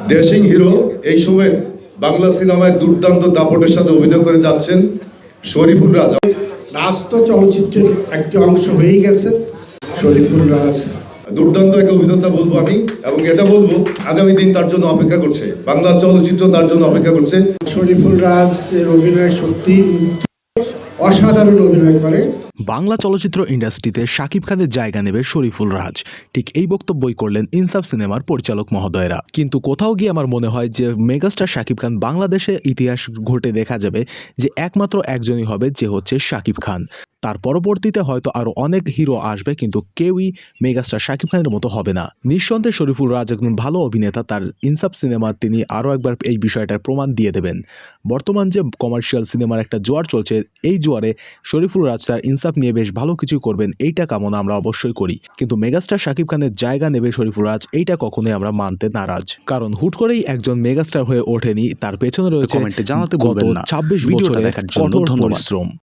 Dashing hero এই সময় বাংলা সিনেমায় দুর্দান্ত দাপটের সাথে অভিনয় করে যাচ্ছেন শরীফুল রাজ। রাস্ত চলচ্চিত্রের একটি অংশ হয়ে গেছে শরীফুল রাজ। দুর্দান্ত এক অভিনেতা বলবো আমি, এবং এটা বলবো আগামী দিন তার জন্য অপেক্ষা করছে, বাংলা চলচ্চিত্র তার জন্য অপেক্ষা করছে। শরীফুল রাজ এর অভিনয় সত্যি অসাধারণ অভিনয় করে। বাংলা চলচ্চিত্র ইন্ডাস্ট্রিতে শাকিব খানের জায়গা নেবে শরীফুল রাজ, ঠিক এই বক্তব্যই করলেন ইনসাফ সিনেমার পরিচালক মহোদয়রা। কিন্তু কোথাও গিয়ে আমার মনে হয় যে মেগাস্টার শাকিব খান বাংলাদেশে ইতিহাস ঘটে দেখা যাবে যে একমাত্র একজনই হবে, যে হচ্ছে শাকিব খান। তার পরবর্তীতে হয়তো আরো অনেক হিরো আসবে, কিন্তু কেউই মেগাস্টার শাকিব খানের মতো হবে না। নিঃসন্দেহে শরীফুল রাজ একজন ভালো অভিনেতা, তার ইনসাফ সিনেমা তিনি আরও একবার এই বিষয়টার প্রমাণ দিয়ে দেবেন। বর্তমান যে কমার্শিয়াল সিনেমার একটা জোয়ার চলছে, এই জোয়ারে শরীফুল রাজ তার ইনসাফ নিয়ে বেশ ভালো কিছু করবেন, এইটা কামনা আমরা অবশ্যই করি। কিন্তু মেগাস্টার শাকিব খানের জায়গা নেবে শরীফুল রাজ, এইটা কখনোই আমরা মানতে নারাজ। কারণ হুট করেই একজন মেগাস্টার হয়ে ওঠেনি, তার পেছনে রয়েছে কমেন্টে জানাতে গত ভুলবেন না। 26 ভিডিওটা বছরের দেখার জন্য কঠোর ধন্যবাদ। পরিশ্রম।